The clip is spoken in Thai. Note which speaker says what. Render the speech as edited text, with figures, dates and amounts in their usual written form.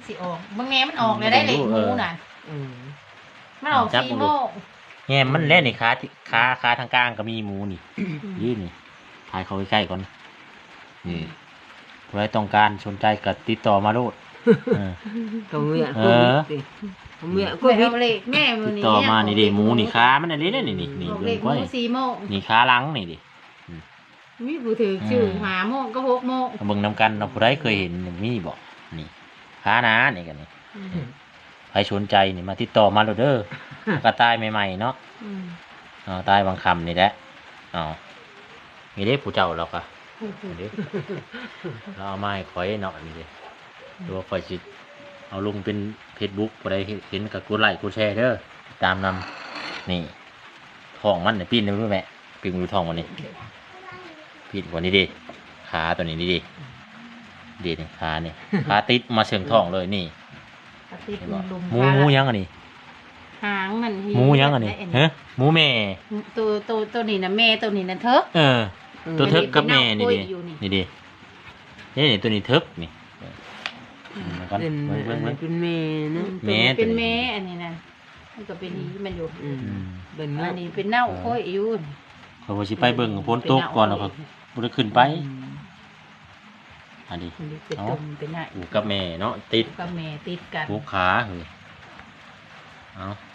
Speaker 1: สิออกบางแง่มันออกเลยได้เหล็กหมูน่ะมันออก4 โมง
Speaker 2: แง่มันเล่นนี่ขาทางกลางก็มีหมูนี่ยืนนี่ถ่ายเขาใกล้ๆก่อนนี่ใครต้องการสนใจก็ติดต่อมาโลด
Speaker 3: ก็เมียเมียก็
Speaker 1: เอาเหล็กแม่มือ
Speaker 2: ติด
Speaker 1: นี้
Speaker 2: ต่อมานี่ดิหมูนี่ขามันอะไรเนี่ยนี่
Speaker 1: เหล็กหมู4 โมง
Speaker 2: นี่ขาหลังนี่ดิ
Speaker 1: มีผู้ถือชื่อ5 โมงก็6 โมง
Speaker 2: เบิ่งนำกันเราผู้ใดเคยเห็นมีบอกนี่ขาหนานี่กันนี่ใครสนใจนี่มาติดต่อมาโลดเด้อกระต่ายใหม่ๆเนาะตายบางคำนี่แหละมีเด้ผู้เจ้าเราก็เราเอาไม้คอยเนาะนี่ดิตัวคอยจิเอาลงเป็นFacebookผู้ใดเห็นก็กดไลค์กดแชร์เด้อตามนำนี่ท้องมันเนี่ยปีนได้รู้ไหมปีนดูท้องมันนี่ปีนกว่านี้ดิขาตัวนี้ดินี่ขาเนี่ยขาติดมาเชิงท้องเลยนี่หมูยังอันนี้
Speaker 1: หางมัน
Speaker 2: หมูยังอันนี้ฮะหมูแม่
Speaker 1: ตัวนี้นะแม่ตัวนี้นะเถก
Speaker 2: ตัวเทิกกับแม่นี่ดินี่ตัวนี้เทิกนี่
Speaker 3: เป็นแม่เนาะ
Speaker 1: เป็นแม่อันนี้นะมันก็เป็นมันอยู่อันนี้เป็นเน่าค่อยอยู่
Speaker 2: เขาบอกสิไปเบิ่งพ้นตกก่อนแล้วก็บ่ได้ขึ้นไปอันนี้อูกับแม่เนาะติด
Speaker 1: กับแม่ติดกัน
Speaker 2: ผูกขาเฮ้ยเอา